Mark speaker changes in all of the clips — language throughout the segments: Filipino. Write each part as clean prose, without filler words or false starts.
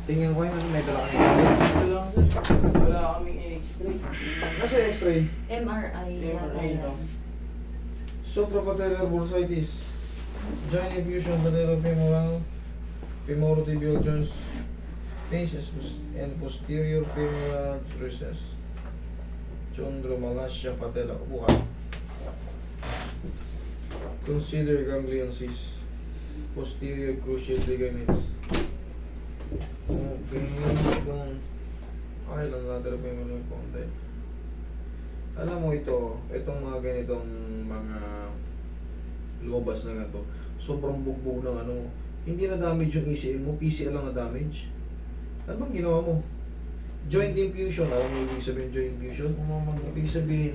Speaker 1: Tingnan ko yung may dala ka
Speaker 2: Ito lang sir. Wala kaming x-ray.
Speaker 1: Nasa x-ray.
Speaker 3: MRI.
Speaker 2: MRI
Speaker 3: yata
Speaker 2: lang.
Speaker 3: yan.
Speaker 1: Suprapatellar bursitis. Joint effusion, patellofemoral, femorotibial joints, facies and posterior femoral recess. Chondromalacia patella. Bukan. Consider ganglion cyst. Posterior cruciate ligaments. Okay, lang natin femoral condyle. Alam mo itong mga ganitong mga lumabas na ganito, sobrang bugbog ng ano, hindi na damage yung ACL mo, PCL lang na damage. Ano bang ginawa mo? Joint infusion, alam mo ibig sabihin joint infusion? Ibig sabihin,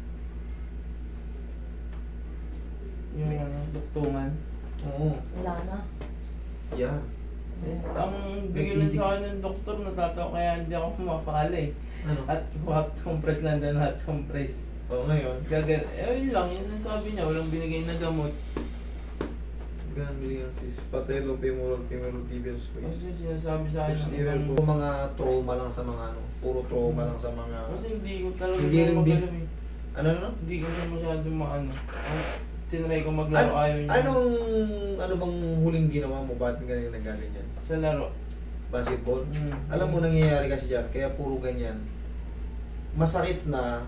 Speaker 2: Yung ano, duktungan.
Speaker 1: oo,
Speaker 3: Wala na.
Speaker 1: yan.
Speaker 2: Ang bigyan lang sa akin ng doktor, natatawa kaya hindi ako pumapakala eh.
Speaker 1: Ano?
Speaker 2: At hot compress lang din, hot compress.
Speaker 1: Oo, ngayon,
Speaker 2: Yun lang, yun ang sabi niya, walang binigay na gamot.
Speaker 1: ganglion cyst, patellofemoral femorotibial space.
Speaker 2: Kasi sinasabi sa akin ng
Speaker 1: Posterior
Speaker 2: ibang...
Speaker 1: po, mga trauma lang sa mga ano, puro trauma lang sa mga,
Speaker 2: Kasi hindi ko talaga
Speaker 1: Hindi rin
Speaker 2: magalam eh.
Speaker 1: ano?
Speaker 2: Hindi ko siya masyadong maano. Tinry ko maglaro, ayaw niya.
Speaker 1: Ano bang huling ginawa mo? Ba't ganyan nagaganyan?
Speaker 2: Sa laro.
Speaker 1: Basketball?
Speaker 2: Mm.
Speaker 1: Alam mo nangyayari kasi dyan, kaya puro ganyan. Masakit na,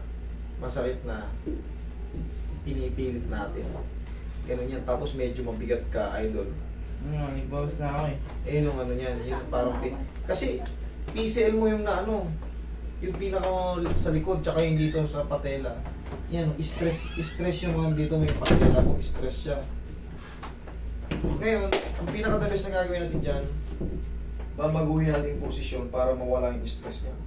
Speaker 1: pinipilit natin. Ganun yan, tapos medyo mabigat ka, idol.
Speaker 2: Nagbawas na ako eh.
Speaker 1: Eh, yung ano yan, yung parang kasi, PCL mo yung na ano, yung pinaka sa likod, tsaka yung dito sa patela. Yan, stress yung mga dito, may patela mo, stress siya. Ngayon, ang pinaka-the best na gagawin natin dyan, babaguhin natin yung posisyon para mawala yung stress niya.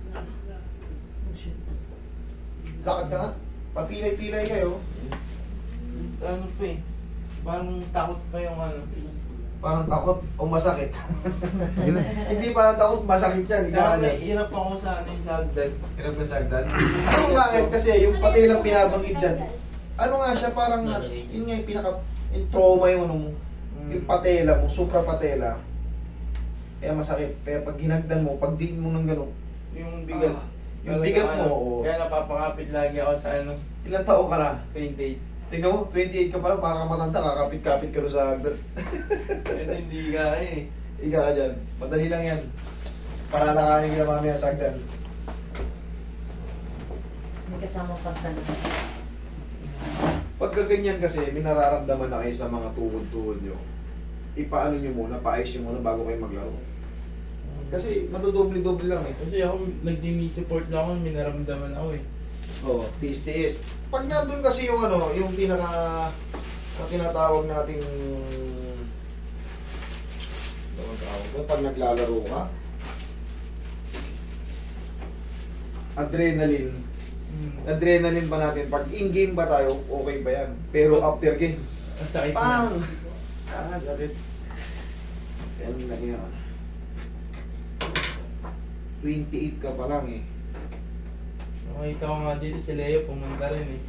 Speaker 1: Lakad ka nga, papilay-pilay kayo,
Speaker 2: Ano pa eh. Parang takot pa yung ano.
Speaker 1: parang takot o masakit. Hindi parang takot, masakit yan. Ikaw
Speaker 2: Kaya
Speaker 1: ano yan.
Speaker 2: hirap ako sa ano yung sagdan.
Speaker 1: Hirap ka sagdan. Ano bakit? Kasi yung patilang binabanggit dyan, ano nga siya, parang, yun nga yung yung trauma yung ano mo, yung patela mo, suprapatela. Kaya masakit. Kaya pag ginagdan mo, pag diin mo ng gano'n,
Speaker 2: Yung bigat.
Speaker 1: yung
Speaker 2: Talaga,
Speaker 1: bigat mo,
Speaker 2: ano,
Speaker 1: oo.
Speaker 2: Kaya napapakapit lagi ako sa ano.
Speaker 1: Ilang taon ka na?
Speaker 2: 28.
Speaker 1: Tingnan mo, 28 ka pa lang, parang ka matanda, kakapit-kapit ka na sa hagdan.
Speaker 2: Kasi hindi ka eh.
Speaker 1: Iga ka dyan. Madali lang yan. Para nakanin ka na mamaya sa hagdan.
Speaker 3: May kasama pagtanong.
Speaker 1: Pagka ganyan kasi, may nararamdaman na kayo sa mga tuhod-tuhod nyo. Ipaano nyo muna, paayos nyo muna bago kayo maglaro. Kasi madodoble-doble lang eh.
Speaker 2: Kasi ako, nag-dini support lang ako, may naramdaman ako eh.
Speaker 1: Oo, tiis-tiis. Pag nandun kasi yung ano, yung pinaka ang tinatawag nating ano tawag ko, pag naglalaro ka, adrenaline. Adrenaline pa natin. Pag in-game ba tayo, okay ba yan? Pero after game,
Speaker 2: Ang sakit na.
Speaker 1: pang! Sakit. Yan lang yan. 28 ka pa lang eh.
Speaker 2: Nakita ko nga dito si Leo, pumunta rin eh.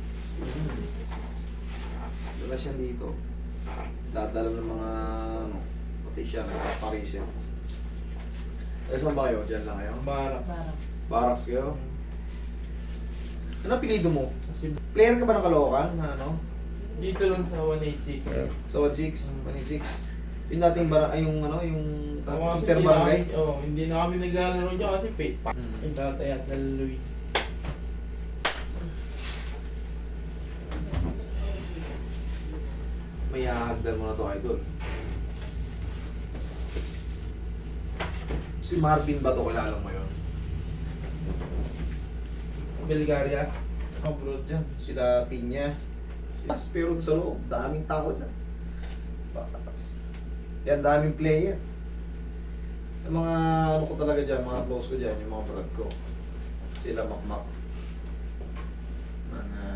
Speaker 1: Dala siya dito. Dadala ng mga ano, pati siya nagpapareset. Eh, saan ba kayo? Diyan lang kayo?
Speaker 2: Barak.
Speaker 3: Parang.
Speaker 1: Barracks kayo? Ano apelido mo?
Speaker 2: Kasi
Speaker 1: Player ka ba ng Caloocan? Ano?
Speaker 2: dito lang sa 186.
Speaker 1: Sa 16? 186? Yung dating ay yung ano, yung
Speaker 2: Kasi
Speaker 1: interbarangay?
Speaker 2: hindi na kami naglalaro dyan kasi pay.
Speaker 1: Hmm.
Speaker 2: Yung tatay at naluloy.
Speaker 1: May hahagdan mo na to, idol. Si Marvin ba to? Kilala mo yun?
Speaker 2: Bulgaria.
Speaker 1: Abroad dyan. Sila Tinya. Pero sa loob, daming tao dyan. Bakas. Yan, daming player. Yung mga ano ko talaga dyan, mga close ko dyan, yung mga brad ko. Sila Makmak. Mga...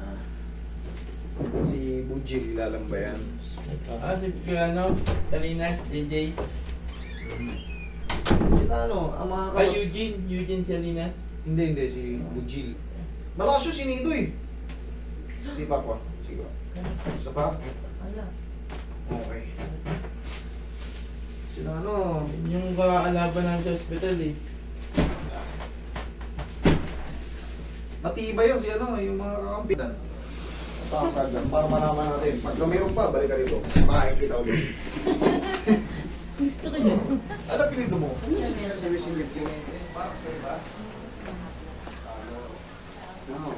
Speaker 1: Si Bujil, ilalang ba yan?
Speaker 2: Si ano, Salinas, JJ.
Speaker 1: Sila ano, ang mga
Speaker 2: Ay,
Speaker 1: close.
Speaker 2: Eugene Salinas.
Speaker 1: Hindi, si Bujil. Malakas yung sinido eh. Di pa po. Sige. Isa pa?
Speaker 3: Wala.
Speaker 1: Okay. Si Sila ano,
Speaker 2: Yung kakalaban ng sa hospital eh.
Speaker 1: matibay yun si ano, yung mga kakampitan. Tapos dyan, para malaman natin. Pagka mayroon pa, balik ka rito. Makain kita ulit.
Speaker 3: Gusto ko yun.
Speaker 1: Ano pinito mo? Ano yung sinisilip? Parang sa'yo ba? Ano?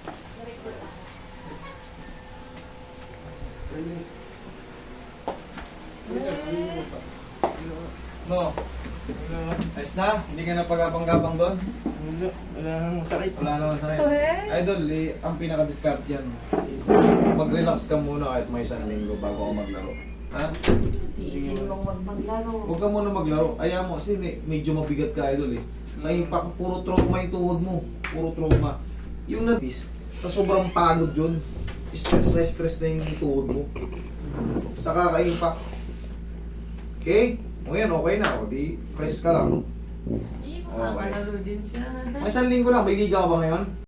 Speaker 1: No.
Speaker 2: Wala,
Speaker 1: Ayos na? Hindi ka na pagapang-gapang doon?
Speaker 2: wala nang sakit.
Speaker 1: Wala naman sa akin. Idol, ang pinaka-discard yan. Mag-relax ka muna kahit may isang linggo bago ka maglaro. Ha?
Speaker 3: Iisip mong wag maglaro.
Speaker 1: Huwag ka muna maglaro. Ayaw mo, kasi medyo mabigat ka, idol eh. Sa impact, puro trauma yung tuhod mo. Puro trauma. Yung natis, sa sobrang pagod yun, stress na yung tuhod mo. Sa kaka-impact. Okay? O yan, okay na. O di, press ka lang.
Speaker 3: Hindi, makakalaro din siya.
Speaker 1: May isang linggo lang, may liga ka ba ngayon?